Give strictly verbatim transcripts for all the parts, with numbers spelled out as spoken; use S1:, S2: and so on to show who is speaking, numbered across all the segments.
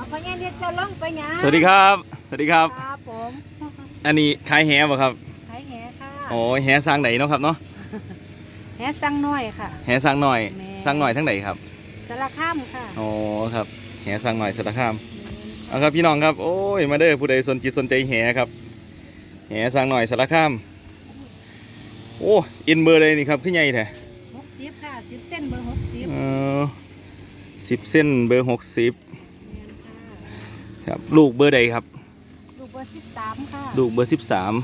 S1: พญาเรียกเจ้าล่องไปหยัง
S2: สวัสดีครับสวัสดีครับ
S1: ครับผม
S2: อันนี้ขายแหบ่ครับ
S1: ขายแหค่ะ
S2: โอ้แหสร้างไหนเนาะครับเนาะ
S1: แหสั่งน้อยค่ะ
S2: แหสร้างหน่อยสร้างหน่อยทั้งไหนครับ
S1: สารข้ามค่ะ
S2: โอ้ครับแหสร้างหน่อยสารคามเอาครับพี่น้องครับโอ้ยมาเด้อผู้ใดสนจิตสนใจแหครับแหสร้างหน่อยสารคามโอ้อินเบอร์เลยนี่ครับขึ้นใหญ่แท้
S1: หกสิบค่ะสิบเส้นเบอร์หกสิบ
S2: เออสิบเส้นเบอร์หกสิบครับลูกเบอร์ใดครับ
S1: ลูกเบอร์สิบสามค่ะ
S2: ลูกเบอร์สิบสาม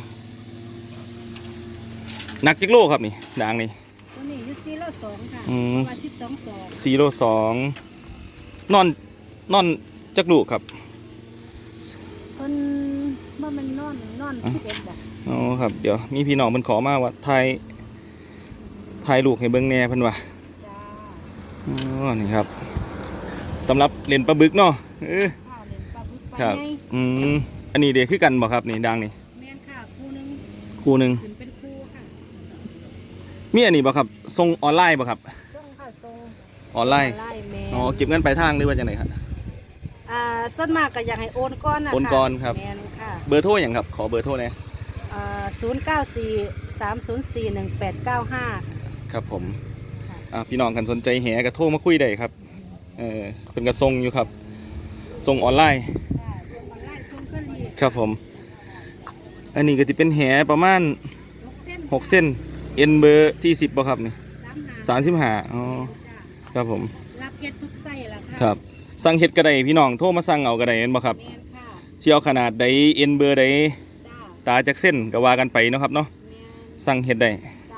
S2: หนักจิกโลครับนี่ด่างนี่
S1: ตัวนี้อยู่สี่โลสองค่ะประมาณสิบสองสอง
S2: สี่โลสองนอนนอนจักลูกครับ
S1: คนว่ามันนอนนอนสิบเอ็ดบ่
S2: อ๋อครับเดี๋ยวมีพี่น้องมันขอมาว่าไทยไทยลูกให้เบิ้งแน่เพิ่นว่าอ๋อนี่ครับสำหรับเล่นปลาบึกเนาะเออครับอืมอันนี้เด็กคือกันบ่ครับนี่ดังนี่
S1: แม่นค่ะคู่นึง
S2: คู่นึง
S1: เป็นคู่ค่ะ
S2: มีอันนี้บ่ครับส่งออนไลน์บ่ครับ
S1: ส่งค่ะส่ง
S2: ออนไลน์อ๋อเก็บเงินปลายทางหรือว่าจังไดครับ
S1: อ่าส่วนมากก็อยากให้โอนก้อนนะ
S2: โอนก้อนครับ
S1: แม่นค่ะ
S2: เบอร์โทรอย่างครับขอเบอร์โทรหน่อย
S1: อ่าศูนย์เก้าสี่สามศูนย์สี่หนึ่งแปดเก้าห้า
S2: ครับผมอ่าพี่น้องกันสนใจแหก็โทรมาคุยได้ครับเออเป็นกระทรงอยู่ครับส่งออนไลน์ครับผมอันนี้ก็จะเป็นแหประมาณหกเส้นเอ็นเบอร์สี่สิบป่ะครับนี่สามสิบห้าอ๋อครับผม
S1: รับเห็ดทุกไส้ละค่ะ
S2: ครับสั่งเห็ดกระไดพี่น้องโทรมาสั่งเอากระไดเห็นบ่ครับเชี่ยวขนาดใดเอ็นเบอร์ใดตาจากเส้นก็ว่ากันไปเนาะครับเนาะสั่งเห็ดได้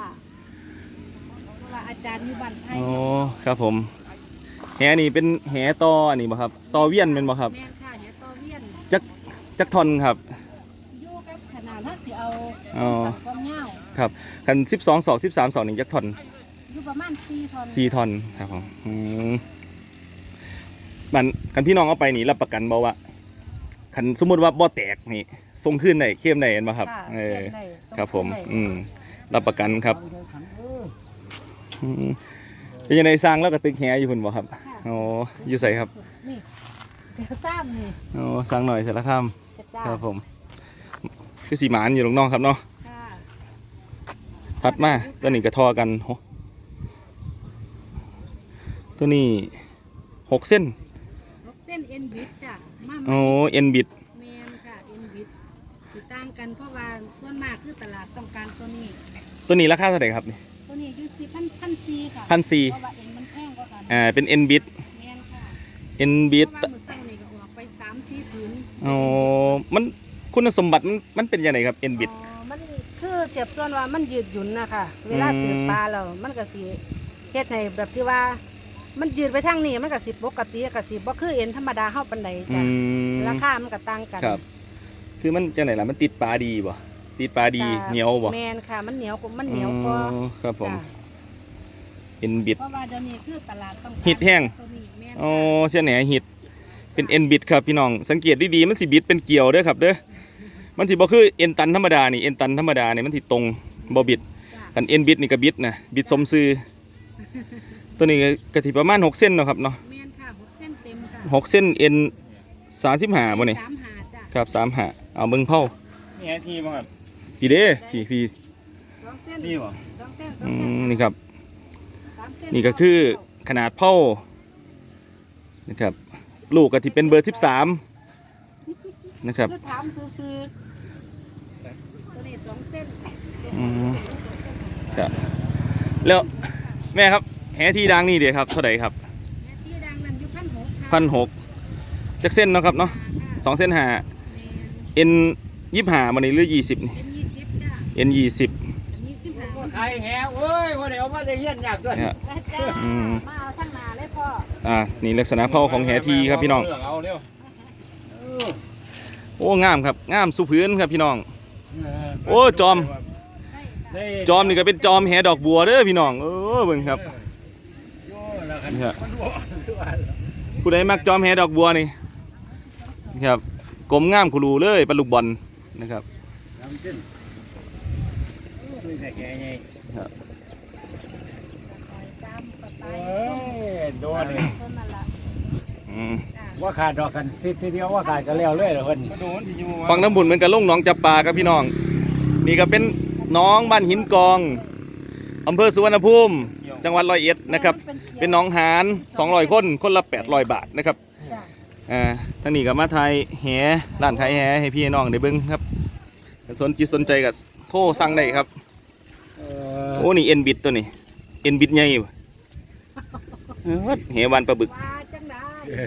S1: อาจารย์อยู่บ้านไทย
S2: อ๋อครับผมแหนี่เป็นแหตออันนี้บ่ครับตอเวียนเป็นบ่ครับ
S1: แม่นค่ะแหตอเวียน
S2: จักจักทอนครับ
S1: อยู่กับขนาดถ้าสิเอา
S2: อ๋อ
S1: ความยาว
S2: ครับคันสิบสองศอกสิบสามศอกนี่จักทอน
S1: อยู่ประมาณสี่ทอน
S2: สี่ทอนครับผมอืมมันคันพี่น้องเอาไปนี่รับประกันบ่ว่าคันสมมุติว่าบ่แตกนี่ส่งคืนได้เข้มได้เห็นบ่ครับเออครับผมอืมรับประกันครับเป็นยังไงสร้างแล้วก็ตึกแหอยู่พุ่นบ่ครับอ๋ออยู่ใส่ครับ
S1: นี่เดี๋ยวสร้างนี่
S2: อ๋อสร้างหน่อยเสร็จแล้วครับครับผมคือสีหมานอยู่ตรงนอกครับเนาะถัดมาตัวนี้กระทอกันตัวนี้หกเส้น
S1: หกเส้นเอ็นบิดจ้ะ
S2: โอ้เอ็นบิด
S1: แมนค่ะเอ็นบิดสิต่างกันเพราะว่าส่วนมากคือตลาดต้องการตัวนี้
S2: ตัวนี้ราคาเท่าไหร่ครับนี่
S1: ตัวนี้อยู่ที่พันพันซีค่ะ
S2: พันซี
S1: เพราะว่าเอ็นมันแพงกว่ากัน
S2: อ่าเป็นเอ็นบิด
S1: แมนค่ะ
S2: เอ็นบิด
S1: เพราะว่ามือตั้งนี่ก็ออกไปสามสี่ผืน
S2: อ๋อมันคุณสมบัติมันมันเป็นยังไงครับเอ็นบิด
S1: มันคือเสียบส่วนว่ามันยืดหยุ่นนะคะเวลาถือปลาเรามันก็สีเฮ็ดให้แบบที่ว่ามันยืดไปทางนี้มันก็สิปกติก็สิบ่คือเอ็นธรรมดาเฮาปานใดจ้ะราคามันก็ต่างกัน
S2: ครับคือมันจังไหนล่ะมันติดปลาดีบ่ติดปลาดีเหนียวบ่
S1: แม่นค่ะมันเหนียวมันเหนียวกว่า
S2: ครับผมเอ็นบิด
S1: เพราะว่าเดี๋ยวนี้คือตลาดต้อง
S2: ฮิตแห้งอ๋อเสียแหน่ฮิตเป็นเอ็นบิดครับพี่น้องสังเกตดีๆมันสิบิดเป็นเกี่ยวเด้อครับเด้อมันสิบ่คือเอ็นตันธรรมดานี่เอ็นตันธรรมดานี่มันสิตรงบ่บิดกันเอ็นบิดนี่ก็บิดนะบิดสมซื่อตัวนี้ก็สิประมาณหกเส้นเนาะครับเนาะ
S1: แม่นค่ะหกเส้นเต็มค่ะ
S2: หกเส้นเอ็นสามสิบห้าบ่นี่
S1: สามห้าจ้ะ
S2: ครับสามห้าเอาเบิ่งเผา
S3: นี่ไงทีบ่ครับ
S2: พี่เด้พี่พี่
S1: สองเส้น
S3: นี่บ่
S1: สองเส้น
S2: อืมนี่ครับนี่ก็คือขนาดเผานะครับลูกก็ที่เป็นเบอร์สิบสามนะครับ
S1: ถามซื้อๆตัวนี้สองเส้น
S2: อืมครับแล้วแม่ครับแหที่ดังนี่เดี๋ยวครับเท่าไหร่ครับ
S1: แหที่ดังนั้นอยู่พันหก
S2: พันหกจักเส้นเนาะครับเนาะสองเส้นหาเอ็นยี่สิบห้ามันนี่หรือยี่สิบนี่เอ็นยี่สิบ
S3: ใครแหวเอ้ยวันเดียวมาได้เยี่ยนอยากด้วย
S1: มาเอาทั้งนาเลยพ่อ
S2: อ่านี่ลักษณะเผาของแหทีครับพี่น้องโอ้งามครับงามสุพื้นครับพี่น้องโอ้จอมจอมนี่ก็เป็นจอมแหดอกบัวเด้อพี่น้องเออเบิ่งครับผู้ใดมักจอมแหดอกบัวนี่ครับกลมงามคุรูเลยปลาลูกบอลนะครับ
S3: โดนเลยว่าขาดดอกกันทีทีเดียวว่าขาดกันแล้วเลยเหรอเพิ่น
S2: ฟังน้ำบุญเหมือนกับลุงหนองจับปลาครับพี่น้องนี่ก็เป็นน้องบ้านหินกองอำเภอสุวรรณภูมิจังหวัดร้อยเอ็ดนะครับเป็นน้องหารสองร้อยคนคนละแปดร้อยบาทนะครับ
S1: จ้ะ
S2: อ่าท่านนี้ก็มาไทยแห่ร้านไทยแห่ให้พี่น้องได้เบิ่งครับสนจิตสนใจก็โทรสั่งได้ครับ
S3: เออ
S2: โอ้นี่เอ็นบิดตัวนี้เอ็นบิดใหญ่ว่ะเออแห่วานปลาบึก
S1: ว่าจังได้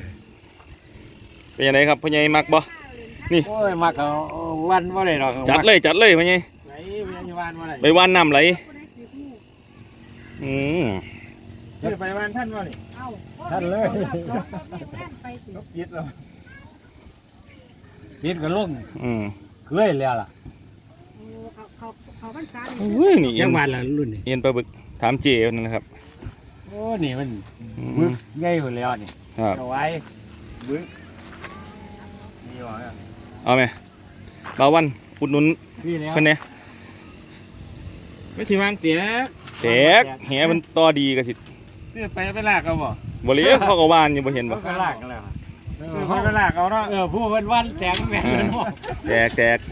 S2: เป็นยังไงครับพ่อใหญ่มักบ่ นี่
S3: โอ้ยมักเอาวันว่าไรหรอก
S2: จัดเลยจัดเลยพ่อใหญ่
S3: ไหนพยาบาลว่าไร
S2: ไปวานน้ำไหลอืม
S3: ชื่อไปวันท่านว่านี่
S1: เอ้า
S3: ท่านเลย
S1: ไปสิ
S3: ยึดเรายึดกันลง
S2: อืม
S3: เคยแล้วล่ะ
S1: โอ้เขาเขาเขาพรรษา
S2: โอ้ยนี่เอ็
S3: ยั
S2: น
S3: งวันละรุ่นนี่
S2: เอ็นปลาบึกถามเจนั่นนะครับ
S3: โอ้นี่มัน
S2: อื
S3: บึ
S2: ม
S3: กใหญ่หมดแล้วนี่
S2: ครับ
S3: เอาไว้บึกนี่หรอ
S2: เอาไหมบ่าววันอุดหนุน
S3: พี่แล้ว
S2: เพิ่นเนี่ย
S3: ไม่ใช่วางเตี๋ย
S2: แตกแหมันต่อดีก็สิ
S3: ซื้อไปไปลากเอาบ่
S2: บ่เหลียเขาก็วานอยู่บ่เห็นบ่
S3: ก็ลากกันแล้วซื้อไปไปลากเอาเนาะเออผู้เพิ่นวันแสงแม่นเนาะ
S2: แตกแตก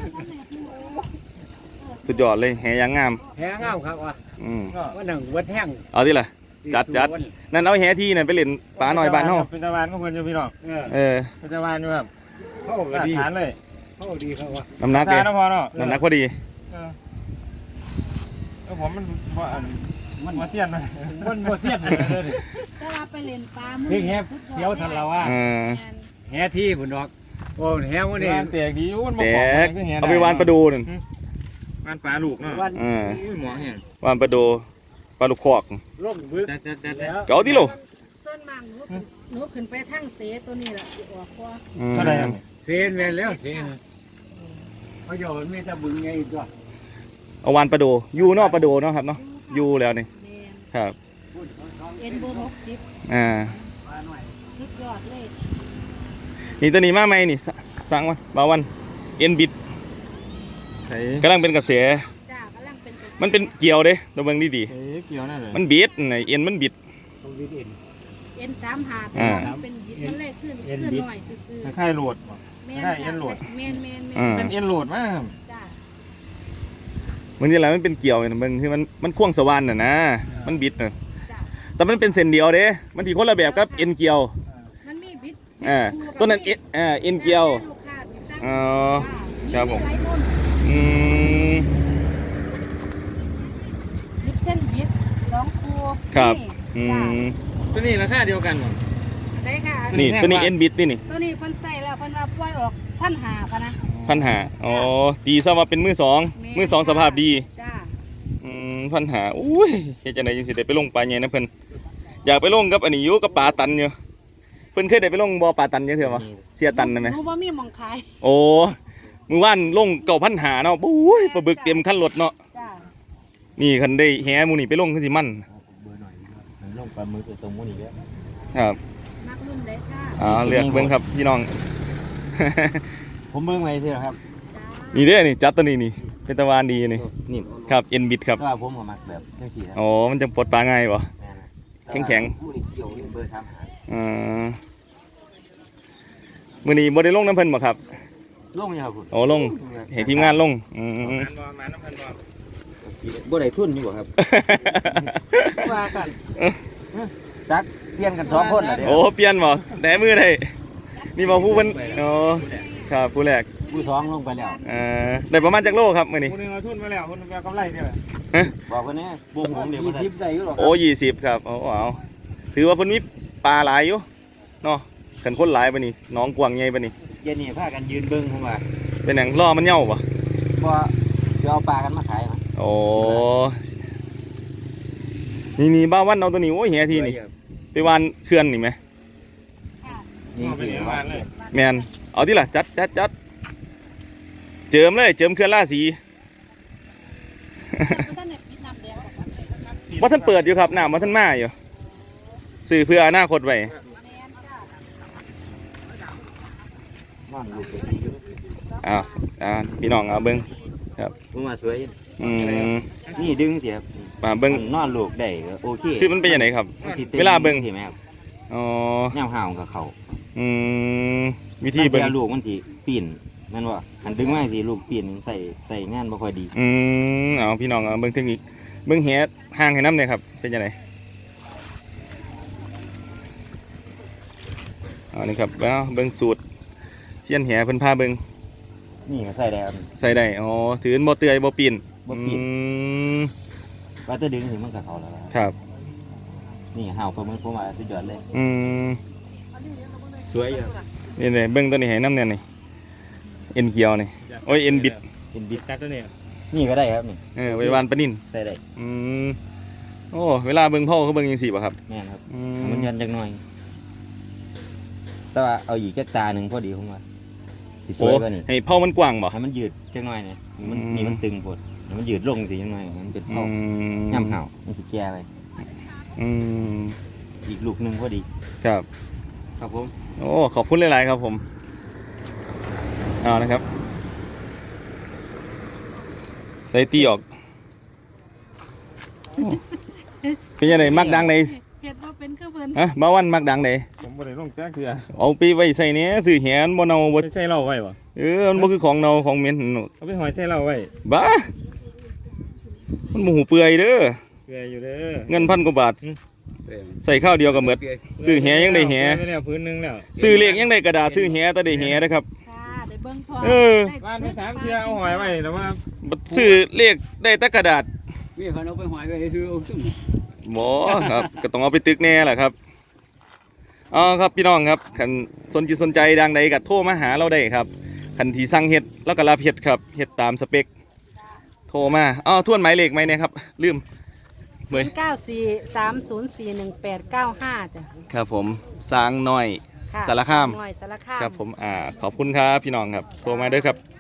S2: สุดยอดเลยแหยางงาม
S3: แหงเอาครับว่ะ
S2: อืม
S3: ก็ว่าหนังเบิดแห้ง
S2: เอาที่ล่ะ จัดจัด นั่นเอาแหที่นั่นไปเล่นปลาหน่อยบ้านเฮา
S3: เป็นตะวันของเพิ่นอยู่พี่น้อง
S2: เออ
S3: เป็นตะวันอยู่ครับเข้าดีฐานเลยเข้าดีครับว่า
S2: น้ำหนัก
S3: ฐา
S2: เด้
S3: นนะพอเนาะ
S2: น้ำหนักพอดี
S3: เออเออผมมันบ่อันมันบ่เสียนมันมันบ่เสียนเลยเด้อ
S1: แต่ว่าไปเล่นปลามื
S3: นี่แฮเสียวทันเราว่า
S2: เออ
S3: แฮที่พุ่นดอกโอ้แฮมื้อนี้แตกดีอยู่มันบ่
S2: แต
S3: ของ
S2: กเอาไปวานปลาดูนั่น
S3: วานปลาลูกเนาะ
S2: เออ
S3: อุ้ยหมอแฮ
S2: วานปลาดูปลาลูกคอก
S3: ล่มบึกจัดๆแล้ว
S2: เก๋าที่โล
S1: ส่วนมากหนูขึ้นหนูขึ้นไปทั้งเสตัวนี้แหละสิออกกว่า
S2: อืม
S3: เท่าไหร่เซนแม่นแล้วเซนเขาโยนมีแต่บึงไงอีกตัว
S2: เอาวานปลาดูอยู่นอกปลาดูเนาะครับเนาะอยู่แล้วนี่
S1: แม่น
S2: ครับ
S1: เอ็นโบหกสิบ
S2: อ่า
S1: สุดยอดเลย
S2: นี่ตัวนี้มาไหมนี่สสั่งมาบ่าววันเอ็นบิดกำลังเป็นกระแส
S1: จ้ากำลังเป็นกระแส
S2: มันเป็นเกี่ยวเด้ตัวเบิ่งดี
S3: เอ้ยเกี่ยวนั่นเลย
S2: ๆมันบิดน่ะเอ็นมันบิด
S3: ต้องวิดเอ็น
S1: เอ็นสามหาแต่
S2: อ่า
S1: ว่ามันเป็นบิดมันเลยขึ้น
S3: เอ็
S1: ขึ้
S3: น
S1: น
S3: บิด
S1: หน่อยซื่อ
S3: คล้ายๆโหลด
S1: ๆแม่
S3: ได้เอ็นโหลด
S1: แม่นแม่นแม่
S2: อ่า
S1: น
S3: เป็นเอ็นโหลดมาก
S1: จ้า
S2: บางทีแล้วมันเป็นเกี่ยวน่ะเบิ่งคือมันมันควงสว่านน่ะนะมันบิดน่ะ
S1: จ้า
S2: แต่มันเป็นเส้นเดียวเด้มันที่คนละแบบกับเอ็นเกี่ยว
S1: มันมีบิด
S2: อ่าตัวนั้นเอ็นอ่าเอ็นเกี่ยว
S1: ลูกค้าสิสั่ง
S2: อ๋อครับผม
S1: หลายรุ่น
S2: อืม
S1: สิบเส้นบิดสองคู่
S2: ครับอื
S1: จ้าม
S3: ตัวนี้ราคาเดียวกันหมด
S1: ได้ค่ะ
S2: นี่ตัวนี้เอ็นบิดนี่นี่
S1: ตัวนี้เพิ่นใส่แล้วเพิ่นว่าปล่อยออกพันหาพะนะ
S2: พันหาอ๋อตีซะว่าเป็นมือสองมือสองสภาพดี
S1: จ้า
S2: อืมพันหาอุ้ยเฮ็ดจังไดจังสิได้ไปลงปลาใหญ่นะเพิ่นอยากไปลงกับอันนี้อยู่กับปลาตันอยู่เพิ่นเคยได้ไปลงบ่อปลาตันจังเทื่อบ่เสียตันได้ไหม
S1: หนูบ่มีหมองขาย
S2: โอ้มือว่านลงเก่าพันหาเนาะปุ้ยปลาบึกเต็มคันรถเนาะ
S1: จ้า
S2: นี่คันได้แหหมูนี่ไปลงคือสิมัน
S3: ลงปลาหมึกตรงนี้แล้ว
S2: ครับ
S1: มักรุ่นเล็กค่ะ
S2: อ๋อเลือกเบิ่งครับพี่น้อง
S3: ผมเบิ่งไว้สิครับ
S1: จ้า
S2: นี่เด้อนี่จัดตัวนี้นี่เป็นตะวันดีนี่
S3: นี่
S2: ครับเอ็นบิดครับ
S3: ก็ว่าผมก็มักแบบจังซี่ครับ
S2: อ๋อมันจะปลดปลาง่ายบ่ แข็งแข็ง
S3: ผู้ที่เกี่ยวนี่เบอร์สามหา
S2: อือมื้อนี้บ่ได้ลงน้ำเพิ่นบ่ครับ
S3: ลงอยู่ครับคุณ
S2: โอ้ลงให้ทีมงานลงอืม
S3: บ่ได้ทุนอยู่บ่ครับ ว่าสั่นจักเปลี่ยนกันสองคนน่ะเด้
S2: โอ้เปลี่ยนบ่แต่มือได้นี่บ่ผู้เพิ่นอ๋อครับผู้แรก
S3: ผู้สองลงไปแล้ว
S2: เอ่อได้ประมาณจักโลครับมื้อนี้
S3: ผู้นึงเอาทุนมาแล้วคนนึงเอากำไรเนี่ย
S2: ฮะ
S3: บอกคนนี้วงผมเดี๋ยวยี่สิบได้อยู่หรอก
S2: โอ้ยี่สิบครับโอ้เอาถือว่าเพิ่นมีปลาหลายอยู่เนาะคันคนหลายปานนี้น้องกว้างใหญ่ปานนี้
S3: เย็นนี่พากันยืนเบิ่งผมว่า
S2: เป็นหยังล้อมันเหย้าบ่
S3: บ่จะเอาปลากันมาขายมั้ย
S2: โอ้นี่นี่บ้าวันเอาตัวนี้โอ้ยเฮียทีนี่ไปวานเขื่อนนี่ไหม
S3: นี่สิว่าเลย
S2: แมนเอาที่ล่ะจัดจัดจัดเจิมเลยเจิมเขื่อนล่าสี
S1: ท่านเนี่ยปิดน้ำแดงออกมา
S2: ว่าท่านเปิดอยู่ครับน้ำว่าท่านมาอยู่สื่อเพื่ออนาคตไว้
S1: แม่นจ้า
S3: นอนลูกไปดีอยู่
S2: อ้าวอ่าพี่น้องเอาเบิ้ง
S3: ผมว่าสวย
S2: อืม
S3: นี่ดึงสิครับ
S2: มาเบิ้ง
S3: นอนลูกได้ก็โอเค
S2: คือมันเป็นยังไงครับ
S3: มันสิต้น
S2: เวลาเบิ่ง
S3: ใช่ไหมครับ
S2: อ๋อ
S3: ย่ามห่าวกับเขา
S2: อืมวิธี
S4: ที่
S2: เบิ่
S4: เบิ่
S2: ง
S4: งลูกมันสิปีนแม่นบ่หันดึงมาสิลูกปีนใส่ใส่งานบ่ค่อยดี
S2: อืมเอาพี่น้องเอาเบิ่งเทคนิคเบิ่งแหห่างให้น้ำเนี่ยครับเป็นยังไงเอานี่ครับแล้วเบิ่งสูตรเสี้ยนแหเพิ่นพาเบิ่ง
S4: นี่ก็ใส่ได้ครับ
S2: ใส่ได้อ๋อถือบ่เตือยบ่ปีน
S4: บ่ปีน
S2: อืม
S4: ว่าแตะดึงสิมันก็เข้าแล้วล่ะ
S2: ครับ
S4: นี่ห่าวเพิ่นมันผมว่าสุดยอดเลย
S2: อืม
S4: สวยอยู่
S2: นี่เลยเบิ้งตัวนี้ให้น้ำเนี่ยนี่เอ็นเกียวนี่โอ้ยเอ็นบิด
S4: เป็นบิด
S3: จัดตัวนี้
S4: นี่ก็ได้ครับนี่
S2: เออไว้วานปลานิ่น
S4: ใส่ได้
S2: อืมโอ้เวลาเบิ้งพ่อเขาเบิ้งยังสี่ป่ะครับ
S4: แม่นครับ
S2: อื
S4: ให้มันยันจักหน่อย แต่ว่าเอาอีกจักตาหนึงพอดีผมว่าสิส
S2: โอ้
S4: วยกว่านี้
S2: ให้พ่อมันกว้างบ่
S4: ให้มันยืดจักหน่อยนี่มัน
S2: อืม
S4: นี่มันตึงโพดให้มันยืดลงสิจักหน่อยมันเป็น
S2: อื
S4: เผาม ย่ำห่าวมันสิแก่ไป
S2: อืม
S4: อีกลูกหนึงพอดี
S2: ครับ
S4: ครับผม
S2: โอ้ขอบคุณหลายๆครับผมเอานะครับใส่ตีออกโอ้เป็นยังไงมักดังไหน
S1: เฮ็ดบ่เป็นคือเพิ่น
S2: ฮะบ้าวันมักดังไหน
S3: ผมบ่ได้ลงจ้าคือ
S2: เอาไปไว้ใส่เนี้ยสื่อแหนบ่เนาบ่
S3: ใส่เหล้าไว้บ่
S2: เออมันบ่คือของเนาของเหม็น
S3: เอาไปหอยใส่เหล้าไว้
S2: บ้ามันบ่หูเปื่อยเด้อ
S3: เกลืออยู่เด้อ
S2: เงินพันกว่าบาทใส่ข้าวเดียวก็หมดซื้อแหยังได้แห
S3: ไปแล้วพื้นหนึงแล้ว
S2: ซื้อเลขยังได้กระดาษซื้อแหแต่ได้แหนะครับ
S1: ค่ะได้เบิ่งพอ
S2: เออ
S1: ได้
S3: บ้านไปสามเทื่อเอาหอยไว้แต่ว่า
S2: บัดซื้อเลขได้แต่กระดาษ
S5: มีเขาเอาไปหอยไปซื้อเอาซุ่ม
S2: บ่ครับ ก็ต้องเอาไปตึกแน่แหละครับอ๋อครับพี่น้องครับคันสนจิตสนใจดังใดก็โทรมาหาเราได้ครับคันที่สั่งเฮ็ดแล้วก็รับเฮ็ดครับเฮ็ดตามสเปคโทรมาอ๋อทวนหมายเลขไหมเนี่ยครับลืมเบย
S1: เก้าสี่สามศูนย์สี่หนึ่งแปดเก้าห้าจ้ะ
S2: ครับผมสร้างน้อย
S1: ค่ะ
S2: สารคาม
S1: หน่อยสารคาม
S2: ครับผมอ่าขอบคุณครับพี่น้องครับโทรมาเด้อครับ